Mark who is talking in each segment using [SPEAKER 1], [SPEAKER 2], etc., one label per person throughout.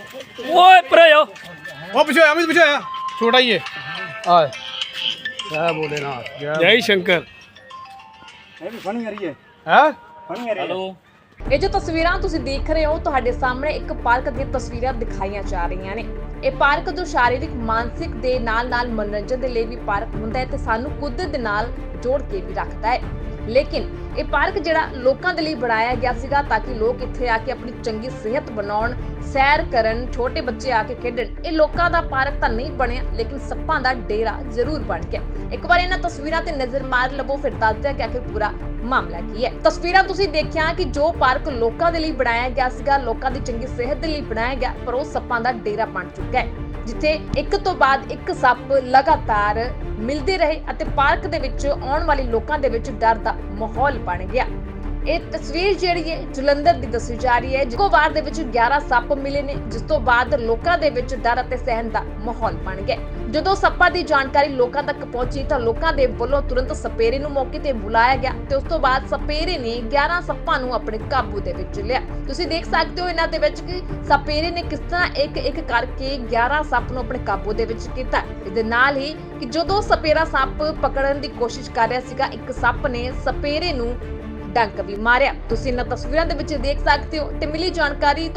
[SPEAKER 1] ओए परे हो
[SPEAKER 2] वो पीछे आया, अमित पीछे आया, छोटा ही है।
[SPEAKER 3] आए जय भोलेनाथ
[SPEAKER 1] जय शंकर
[SPEAKER 2] हैं?
[SPEAKER 1] हेलो।
[SPEAKER 4] ਇਹ ਜੋ ਤਸਵੀਰਾਂ ਤੁਸੀਂ ਦੇਖ ਰਹੇ ਹੋ ਤੁਹਾਡੇ ਸਾਹਮਣੇ ਇੱਕ ਪਾਰਕ ਦੀਆਂ ਤਸਵੀਰਾਂ ਦਿਖਾਈਆਂ ਜਾ ਰਹੀਆਂ ਨੇ। ਇਹ ਪਾਰਕ ਜੋ ਸ਼ਾਰੀਰਿਕ ਮਾਨਸਿਕ ਦੇ ਨਾਲ-ਨਾਲ ਮਨੋਰੰਜਨ ਦੇ ਲਈ ਵੀ ਪਾਰਕ ਹੁੰਦਾ ਹੈ ਤੇ ਸਾਨੂੰ ਕੁਦਰਤ ਦੇ ਨਾਲ ਜੋੜ ਕੇ ਵੀ ਰੱਖਦਾ ਹੈ। ਲੇਕਿਨ ਇਹ ਪਾਰਕ ਜਿਹੜਾ ਲੋਕਾਂ ਦੇ ਲਈ ਬਣਾਇਆ ਗਿਆ ਸੀਗਾ ਤਾਂ ਕਿ ਲੋਕ ਇੱਥੇ ਆ ਕੇ ਆਪਣੀ ਚੰਗੀ ਸਿਹਤ ਬਣਾਉਣ, ਸੈਰ ਕਰਨ, ਛੋਟੇ ਬੱਚੇ ਆ ਕੇ ਖੇਡਣ। ਇਹ ਲੋਕਾਂ ਦਾ ਪਾਰਕ ਤਾਂ ਨਹੀਂ ਬਣਿਆ ਲੇਕਿਨ ਸੱਪਾਂ ਦਾ ਡੇਰਾ ਜ਼ਰੂਰ ਬਣ ਗਿਆ। ਇੱਕ ਵਾਰ ਇਹਨਾਂ ਤਸਵੀਰਾਂ ਤੇ ਨਜ਼ਰ ਮਾਰ ਲਵੋ ਫਿਰ ਦੱਸਦੇ ਕਿ ਆਖਿਰ ਪੂਰਾ ਮਾਮਲਾ ਕੀ ਹੈ। ਤਸਵੀਰਾਂ ਤੁਸੀਂ ਦੇਖਿਆ ਕਿ ਜੋ ਪਾਰਕ ਲੋਕਾਂ ਦੇ ਲਈ ਬਣਾਇਆ ਗਿਆ ਸੀਗਾ, ਲੋਕਾਂ ਦੀ ਚੰਗੀ ਸਿਹਤ ਦੇ ਲਈ ਬਣਾਇਆ ਗਿਆ, ਪਰ ਉਹ ਸੱਪਾਂ ਦਾ ਡੇਰਾ ਬਣ ਚੁੱਕਾ ਹੈ ਜਿੱਥੇ ਇੱਕ ਤੋਂ ਬਾਅਦ ਇੱਕ ਸੱਪ ਲਗਾਤਾਰ ਮਿਲਦੇ ਰਹੇ ਅਤੇ ਪਾਰਕ ਦੇ ਵਿੱਚ ਆਉਣ ਵਾਲੇ ਲੋਕਾਂ ਦੇ ਵਿੱਚ ਡਰ ਦਾ ਮਾਹੌਲ ਬਣ ਗਿਆ। ਇਹ ਤਸਵੀਰ ਜਿਹੜੀ ਹੈ ਜਲੰਧਰ ਦੀ ਦੱਸੀ ਜਾ ਰਹੀ ਹੈ। ਇੱਕੋ ਵਾਰ ਦੇ ਵਿੱਚ 11 ਸੱਪ ਮਿਲੇ ਨੇ ਜਿਸ ਤੋਂ ਬਾਅਦ ਲੋਕਾਂ ਦੇ ਵਿੱਚ ਡਰ ਅਤੇ ਸਹਿਮ ਦਾ ਮਾਹੌਲ ਬਣ ਗਿਆ। ਜਦੋਂ ਸੱਪਾਂ ਦੀ ਜਾਣਕਾਰੀ ਲੋਕਾਂ ਤੱਕ ਪਹੁੰਚੀ ਤਾਂ ਲੋਕਾਂ ਦੇ ਵੱਲੋਂ ਤੁਰੰਤ ਸਪੇਰੇ ਨੂੰ ਮੌਕੇ ਤੇ ਬੁਲਾਇਆ ਗਿਆ ਤੇ ਉਸ ਤੋਂ ਬਾਅਦ ਸਪੇਰੇ ਨੇ 11 ਸੱਪਾਂ ਨੂੰ ਆਪਣੇ ਕਾਬੂ ਦੇ ਵਿੱਚ ਲਿਆ। ਤੁਸੀਂ ਦੇਖ ਸਕਦੇ ਹੋ ਇਹਨਾਂ ਦੇ ਵਿੱਚ ਕਿ ਸਪੇਰੇ ਨੇ ਕਿਸ ਤਰ੍ਹਾਂ ਇੱਕ ਕਰਕੇ 11 ਸੱਪ ਨੂੰ ਆਪਣੇ ਕਾਬੂ ਦੇ ਵਿੱਚ ਕੀਤਾ। ਇਹਦੇ ਨਾਲ ਹੀ ਕਿ ਜਦੋਂ ਸਪੇਰਾ ਸੱਪ ਪਕੜਨ ਦੀ ਕੋਸ਼ਿਸ਼ ਕਰ ਰਿਹਾ ਸੀਗਾ, ਇੱਕ ਸੱਪ ਨੇ ਸਪੇਰੇ ਨੂੰ ਡੰਕ ਵੀ ਮਾਰਿਆ। ਤੁਸੀਂ ਇਹਨਾਂ ਤਸਵੀਰਾਂ ਦੇ ਵਿੱਚ ਦੇਖ ਸਕਦੇ ਹੋ ਤੇ ਮਿਲੀ ਜਾਣਕਾਰੀ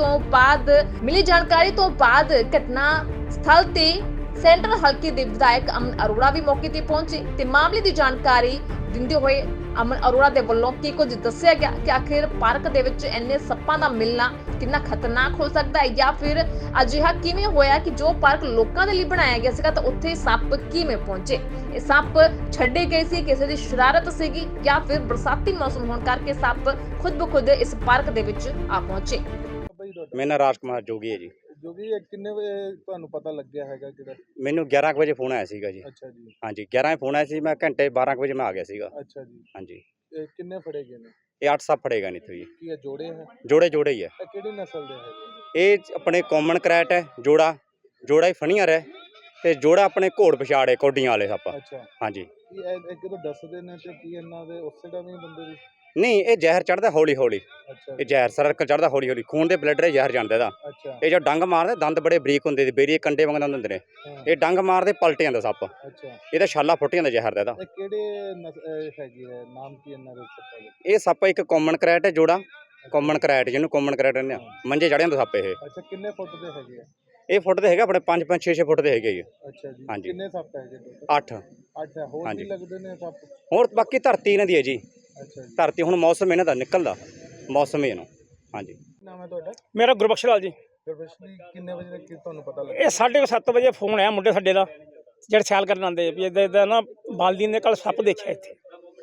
[SPEAKER 4] ਤੋਂ ਬਾਅਦ ਘਟਨਾ ਸਥਲ ਤੇ ਸੈਂਟਰਲ ਹਲਕੇ ਦੇ ਵਿਧਾਇਕ ਅਮਨ ਅਰੋੜਾ ਵੀ ਮੌਕੇ ਤੇ ਪਹੁੰਚੇ ਤੇ ਮਾਮਲੇ ਦੀ ਜਾਣਕਾਰੀ ਦਿੰਦੇ ਹੋਏ ਅਮਨ ਅਰੋੜਾ ਦੇ ਵੱਲੋਂ ਕੀ ਕੁਝ ਦੱਸਿਆ ਗਿਆ ਕਿ ਆਖਿਰ ਪਾਰਕ ਦੇ ਵਿੱਚ ਇੰਨੇ ਸੱਪਾਂ ਦਾ ਮਿਲਣਾ ਕਿੰਨਾ ਖਤਰਨਾਕ ਹੋ ਸਕਦਾ ਹੈ ਜਾਂ ਫਿਰ ਅਜਿਹਾ ਕਿਵੇਂ ਹੋਇਆ ਕਿ ਜੋ ਪਾਰਕ ਲੋਕਾਂ ਦੇ ਲਈ ਬਣਾਇਆ ਗਿਆ ਸੀਗਾ ਤਾਂ ਉੱਥੇ ਸੱਪ ਕਿਵੇਂ ਪਹੁੰਚੇ। ਇਹ ਸੱਪ ਛੱਡੇ ਗਏ ਸੀ, ਕਿਸੇ ਦੀ ਸ਼ਰਾਰਤ ਸੀਗੀ ਜਾਂ ਫਿਰ ਬਰਸਾਤੀ ਮੌਸਮ ਹੋਣ ਕਰਕੇ ਸੱਪ ਖੁਦ ਬਖੁਦ ਇਸ ਪਾਰਕ ਦੇ ਵਿੱਚ ਆ ਪਹੁੰਚੇ।
[SPEAKER 5] ਮੇਰਾ ਨਾਮ ਰਾਜ ਕੁਮਾਰ ਜੋਗੀ ਹੈ ਜੀ।
[SPEAKER 2] ਜੋਗੀ ਕਿੰਨੇ ਵਜੇ ਤੁਹਾਨੂੰ ਪਤਾ ਲੱਗਿਆ ਹੈਗਾ ਕਿਹੜਾ?
[SPEAKER 5] ਮੈਨੂੰ 11 ਵਜੇ ਫੋਨ ਆਇਆ ਸੀਗਾ ਜੀ।
[SPEAKER 2] ਅੱਛਾ ਜੀ।
[SPEAKER 5] ਹਾਂਜੀ 11 ਫੋਨ ਆਇਆ ਸੀ, ਮੈਂ ਘੰਟੇ 12 ਵਜੇ ਮੈਂ ਆ ਗਿਆ ਸੀਗਾ।
[SPEAKER 2] ਅੱਛਾ ਜੀ।
[SPEAKER 5] ਹਾਂਜੀ
[SPEAKER 2] ਇਹ ਕਿੰਨੇ ਫੜੇ ਗਏ ਨੇ?
[SPEAKER 5] ਇਹ 8 ਸੱਪ ਫੜੇਗਾ ਨਹੀਂ ਇੱਥੋਂ ਜੀ।
[SPEAKER 2] ਕੀ ਇਹ ਜੋੜੇ ਹੈ?
[SPEAKER 5] ਜੋੜੇ ਹੀ ਹੈ।
[SPEAKER 2] ਇਹ ਕਿਹੜੀ ਨਸਲ ਦੇ ਹੈਗੇ?
[SPEAKER 5] ਇਹ ਆਪਣੇ ਕਾਮਨ ਕਰੈਟ ਹੈ, ਜੋੜਾ ਹੀ ਫਣੀਅਰ ਹੈ ਤੇ ਜੋੜਾ ਆਪਣੇ ਘੋੜ ਪਛਾੜੇ ਕੋਡੀਆਂ ਵਾਲੇ ਸੱਪ।
[SPEAKER 2] ਅੱਛਾ।
[SPEAKER 5] ਹਾਂਜੀ
[SPEAKER 2] ਕੀ ਇਹ ਕਿਦੋਂ ਦੱਸਦੇ ਨੇ ਤੇ ਕੀ ਇਹਨਾਂ ਦੇ ਉਸੇ ਦਾ ਵੀ ਬੰਦੇ ਦੀ?
[SPEAKER 5] ਨਹੀਂ, ਇਹ ਜ਼ਹਿਰ ਚੜਦਾ ਹੌਲੀ।
[SPEAKER 2] ਅੱਛਾ।
[SPEAKER 5] ਇਹ ਜ਼ਹਿਰ ਸਰਕਲ ਚੜਦਾ ਹੌਲੀ ਖੂਨ ਦੇ ਬਲੱਡ ਦੇ ਜ਼ਹਿਰ ਜਾਂਦਾ ਇਹਦਾ।
[SPEAKER 2] ਅੱਛਾ।
[SPEAKER 5] ਇਹ ਜੋ ਡੰਗ ਮਾਰਦੇ ਦੰਦ ਬੜੇ ਬਰੀਕ ਹੁੰਦੇ ਨੇ, ਬੇਰੀ ਕੰਡੇ ਵਾਂਗ ਦੰਦ ਹੁੰਦੇ ਨੇ। ਇਹ ਡੰਗ ਮਾਰਦੇ ਪਲਟ ਜਾਂਦਾ ਸੱਪ।
[SPEAKER 2] ਅੱਛਾ।
[SPEAKER 5] ਇਹਦਾ ਛਾਲਾ ਫੁੱਟ ਜਾਂਦਾ ਜ਼ਹਿਰ ਦਾ ਇਹਦਾ।
[SPEAKER 2] ਇਹ ਕਿਹੜੇ ਹੈਗੀ ਹੈ, ਨਾਮ ਕੀ ਇਹਨਾਂ ਦੇ ਸੱਪਾਂ ਦੇ?
[SPEAKER 5] ਇਹ ਸੱਪ ਇੱਕ ਕਾਮਨ ਕਰੈਟ ਹੈ, ਜੋੜਾ ਕਾਮਨ ਕਰੈਟ, ਜਿਹਨੂੰ ਕਾਮਨ ਕਰੈਟ ਕਹਿੰਦੇ ਆ। ਮੰਜੇ ਚੜ੍ਹ ਜਾਂਦਾ ਸੱਪ ਇਹ।
[SPEAKER 2] ਅੱਛਾ। ਕਿੰਨੇ ਫੁੱਟ ਦੇ ਹੈਗੇ ਆ?
[SPEAKER 5] ਇਹ ਫੁੱਟ ਦੇ ਹੈਗਾ ਆਪਣੇ 5 6 ਫੁੱਟ ਦੇ ਹੈਗੇ ਜੀ।
[SPEAKER 2] ਅੱਛਾ ਜੀ।
[SPEAKER 5] ਹਾਂਜੀ।
[SPEAKER 2] ਕਿੰਨੇ ਸੱਪ ਹੈਗੇ?
[SPEAKER 5] 8।
[SPEAKER 2] 8 ਹੋਰ ਵੀ ਲੱਗਦੇ ਨੇ ਸੱਪ?
[SPEAKER 5] ਹੋਰ ਬਾਕੀ ਧਰਤੀ ਇਹਨਾਂ ਦੀ ਹੈ ਜੀ।
[SPEAKER 2] ਅੱਛਾ ਜੀ।
[SPEAKER 5] ਧਰਤੀ ਹੁਣ ਮੌਸਮ ਇਹਨਾਂ ਦਾ ਨਿਕਲਦਾ ਮੌਸਮ ਇਹਨੂੰ। ਹਾਂਜੀ।
[SPEAKER 2] ਨਾਮ ਹੈ ਤੁਹਾਡਾ?
[SPEAKER 1] मेरा गुरबख्श लाल जी।
[SPEAKER 2] ਗੁਰਬਖਸ਼ ਕਿੰਨੇ ਵਜੇ ਤੱਕ ਤੁਹਾਨੂੰ ਪਤਾ ਲੱਗਾ?
[SPEAKER 1] ਇਹ 7:30 ਵਜੇ ਫੋਨ ਆਇਆ ਮੁੰਡੇ ਸਾਡੇ ਦਾ ਜਿਹੜੇ ਸੈਲ ਕਰਨ ਆਉਂਦੇ ਵੀ ਇੱਦਾਂ ਨਾ ਬਾਲਦੀ ਨੇ ਕੱਲ ਸੱਪ ਦੇਖਿਆ ਇੱਥੇ।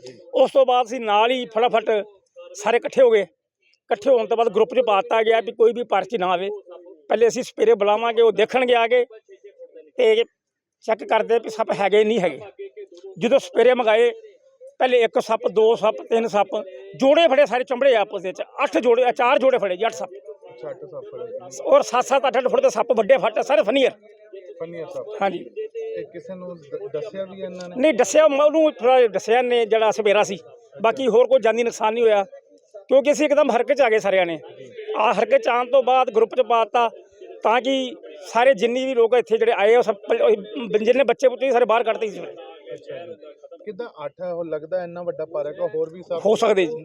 [SPEAKER 1] ਉਸ ਤੋਂ ਬਾਅਦ ਅਸੀਂ ਨਾਲ ਹੀ ਫਟਾਫਟ ਸਾਰੇ ਇਕੱਠੇ ਹੋ ਗਏ। ਇਕੱਠੇ ਹੋਣ ਤੋਂ ਬਾਅਦ ਗਰੁੱਪ 'ਚ ਪਾ ਦਿੱਤਾ ਗਿਆ ਵੀ ਕੋਈ ਵੀ ਪਰਚੀ ਨਾ ਆਵੇ, ਪਹਿਲੇ ਅਸੀਂ ਸਪੇਰੇ ਬੁਲਾਵਾਂਗੇ, ਉਹ ਦੇਖਣਗੇ ਆ ਕੇ ਤੇ ਚੈੱਕ ਕਰਦੇ ਵੀ ਸੱਪ ਹੈਗੇ ਨਹੀਂ ਹੈਗੇ। ਜਦੋਂ ਸਪੇਰੇ ਮੰਗਾਏ ਪਹਿਲੇ 1 ਸੱਪ 2 ਸੱਪ 3 ਸੱਪ ਜੋੜੇ ਫੜੇ, ਸਾਰੇ ਚੰਬੜੇ ਆਪਸ ਵਿੱਚ 8 ਜੋੜੇ 4 ਜੋੜੇ ਫੜੇ ਜੀ, 8 ਸੱਪ।
[SPEAKER 2] ਅੱਛਾ। 8 ਸੱਪ ਫੜੇ
[SPEAKER 1] ਔਰ 7-7 8-8 ਫੁੱਟ ਦੇ ਸੱਪ ਵੱਡੇ ਫੱਟ ਸਾਰੇ ਫਨੀਅਰ।
[SPEAKER 2] ਫਨੀਅਰ ਸੱਪ।
[SPEAKER 1] ਹਾਂਜੀ।
[SPEAKER 2] ਇਹ ਕਿਸੇ ਨੂੰ ਦੱਸਿਆ ਵੀ ਇਹਨਾਂ ਨੇ?
[SPEAKER 1] ਨਹੀਂ ਦੱਸਿਆ, ਉਹਨੂੰ ਥੋੜ੍ਹਾ ਦੱਸਿਆ ਨੇ ਜਿਹੜਾ ਸਵੇਰਾ ਸੀ, ਬਾਕੀ ਹੋਰ ਕੋਈ ਜਾਨੀ ਨੁਕਸਾਨ ਨਹੀਂ ਹੋਇਆ ਕਿਉਂਕਿ ਅਸੀਂ ਇੱਕਦਮ ਹਰਕਤ 'ਚ ਆ ਗਏ ਸਾਰਿਆਂ ਨੇ। ਹਰਕਤ 'ਚ ਆਉਣ ਤੋਂ ਬਾਅਦ ਗਰੁੱਪ 'ਚ ਪਾ ਦਿੱਤਾ ਤਾਂ ਕਿ ਸਾਰੇ ਜਿੰਨੀ ਵੀ ਲੋਕ ਇੱਥੇ ਜਿਹੜੇ ਆਏ ਉਹ ਸਭ ਜਿੰਨੇ ਬੱਚੇ ਬੁੱਚੇ ਸਾਰੇ ਬਾਹਰ ਕੱਢਤੇ ਸੀ।
[SPEAKER 2] ਅੱਛਾ ਜੀ। ਕਿੱਦਾਂ 8 ਉਹ ਲੱਗਦਾ ਇੰਨਾ ਵੱਡਾ ਪਾਰਕ ਆ, ਹੋਰ ਵੀ ਸੱਪ
[SPEAKER 1] ਹੋ ਸਕਦੇ ਜੀ।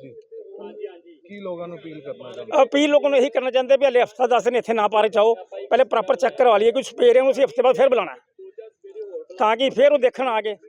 [SPEAKER 2] ਕੀ ਲੋਕਾਂ ਨੂੰ ਅਪੀਲ ਕਰਨਾ ਚਾਹੁੰਦੇ?
[SPEAKER 1] ਅਪੀਲ ਲੋਕਾਂ ਨੂੰ ਇਹੀ ਕਰਨਾ ਚਾਹੁੰਦੇ ਵੀ ਹਲੇ ਹਫ਼ਤਾ 10 ਦਿਨ ਇੱਥੇ ਨਾ ਪਾਰਕ 'ਚ ਆਓ, ਪਹਿਲੇ ਪ੍ਰੋਪਰ ਚੈੱਕ ਕਰਵਾ ਲਈਏ। ਕੋਈ ਸਪੇਰੇ ਨੂੰ ਅਸੀਂ ਹਫ਼ਤੇ ਬਾਅਦ ਫਿਰ ਬੁਲਾਉਣਾ ਤਾਂ ਕਿ ਫਿਰ ਉਹ ਦੇਖਣ ਆ ਕੇ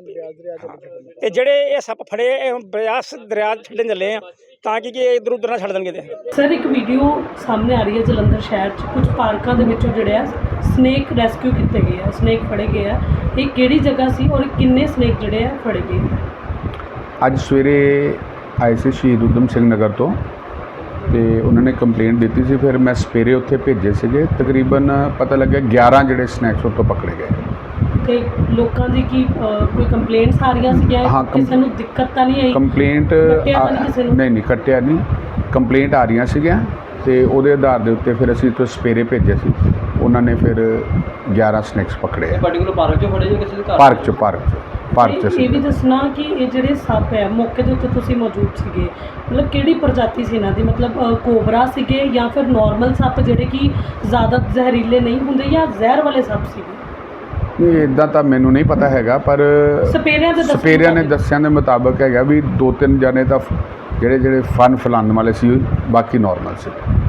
[SPEAKER 1] ਤੇ ਜਿਹੜੇ ਇਹ ਸੱਪ ਫੜੇ ਇਹ ਬਿਆਸ ਦਰਿਆ ਛੱਡਣ ਚੱਲੇ ਆ ਤਾਂ ਕਿ ਇੱਧਰ ਉੱਧਰ ਨਾ ਛੱਡ ਦੇਣਗੇ। ਤੇ
[SPEAKER 6] ਸਰ ਇੱਕ ਵੀਡੀਓ ਸਾਹਮਣੇ ਆ ਰਹੀ ਹੈ ਜਲੰਧਰ ਸ਼ਹਿਰ 'ਚ ਕੁਝ ਪਾਰਕਾਂ ਦੇ ਵਿੱਚੋਂ ਜਿਹੜੇ ਆ ਸਨੇਕ ਰੈਸਕਿਊ ਕੀਤੇ ਗਏ ਆ, ਸਨੇਕ ਫੜੇ ਗਏ ਆ। ਇਹ ਕਿਹੜੀ ਜਗ੍ਹਾ ਸੀ ਔਰ ਕਿੰਨੇ ਸਨੇਕ ਜਿਹੜੇ ਆ ਫੜੇ ਗਏ?
[SPEAKER 7] ਅੱਜ ਸਵੇਰੇ ਆਏ ਸੀ ਸ਼ਹੀਦ ਊਧਮ ਸਿੰਘ ਨਗਰ ਤੋਂ ਤੇ ਉਹਨਾਂ ਨੇ ਕੰਪਲੇਂਟ ਦਿੱਤੀ ਸੀ, ਫਿਰ ਮੈਂ ਸਵੇਰੇ ਉੱਥੇ ਭੇਜੇ ਸੀਗੇ। ਤਕਰੀਬਨ ਪਤਾ ਲੱਗਿਆ 11 ਜਿਹੜੇ ਸਨੈਕਸ ਉੱਥੋਂ ਪਕੜੇ ਗਏ।
[SPEAKER 6] ਤੇ ਲੋਕਾਂ ਦੀ ਕੀ ਕੋਈ ਕੰਪਲੇਂਟਸ ਆ ਰਹੀਆਂ ਸੀਗੀਆਂ? ਕਿਸੇ ਨੂੰ ਦਿੱਕਤ ਤਾਂ ਨਹੀਂ ਆਈ?
[SPEAKER 7] ਕੰਪਲੇਂਟ ਨਹੀਂ ਕੱਟਿਆ ਨਹੀਂ, ਕੰਪਲੇਂਟ ਆ ਰਹੀਆਂ ਸੀਗੀਆਂ ਤੇ ਉਹਦੇ ਆਧਾਰ ਦੇ ਉੱਤੇ ਫਿਰ ਅਸੀਂ ਤੋਂ ਸਪੇਰੇ ਭੇਜੇ ਸੀ। ਉਹਨਾਂ ਨੇ ਫਿਰ 11 ਸਨੈਕਸ ਪਕੜੇ ਆ।
[SPEAKER 3] ਪਾਰਟਿਕੂਲਰ ਪਾਰਕ 'ਚੋਂ ਫੜੇ ਜਾਂ ਕਿਸੇ ਦੇ ਘਰ?
[SPEAKER 7] ਪਾਰਕ 'ਚ ਭਾਰਤ 'ਚ
[SPEAKER 6] ਇਹ
[SPEAKER 7] ਸੀ।
[SPEAKER 6] ਵੀ ਦੱਸਣਾ ਕਿ ਇਹ ਜਿਹੜੇ ਸੱਪ ਹੈ ਮੌਕੇ ਦੇ ਉੱਤੇ ਤੁਸੀਂ ਮੌਜੂਦ ਸੀਗੇ, ਮਤਲਬ ਕਿਹੜੀ ਪ੍ਰਜਾਤੀ ਸੀ ਇਹਨਾਂ ਦੀ, ਮਤਲਬ ਕੋਬਰਾ ਸੀਗੇ ਜਾਂ ਫਿਰ ਨਾਰਮਲ ਸੱਪ ਜਿਹੜੇ ਕਿ ਜ਼ਿਆਦਾ ਜ਼ਹਿਰੀਲੇ ਨਹੀਂ ਹੁੰਦੇ ਜਾਂ ਜ਼ਹਿਰ ਵਾਲੇ ਸੱਪ ਸੀਗੇ?
[SPEAKER 7] ਇਹ ਇਦਾਂ ਤਾਂ ਮੈਨੂੰ ਨਹੀਂ ਪਤਾ ਹੈਗਾ, ਪਰ
[SPEAKER 6] ਸਪੇਰਿਆਂ ਦੇ
[SPEAKER 7] ਸਪੇਰਿਆਂ ਨੇ ਦੱਸਿਆਂ ਦੇ ਮੁਤਾਬਕ ਹੈਗਾ ਵੀ 2-3 ਜਣੇ ਤਾਂ ਜਿਹੜੇ ਫਨ ਫੈਲਾਉਣ ਵਾਲੇ ਸੀ, ਬਾਕੀ ਨਾਰਮਲ ਸੀ।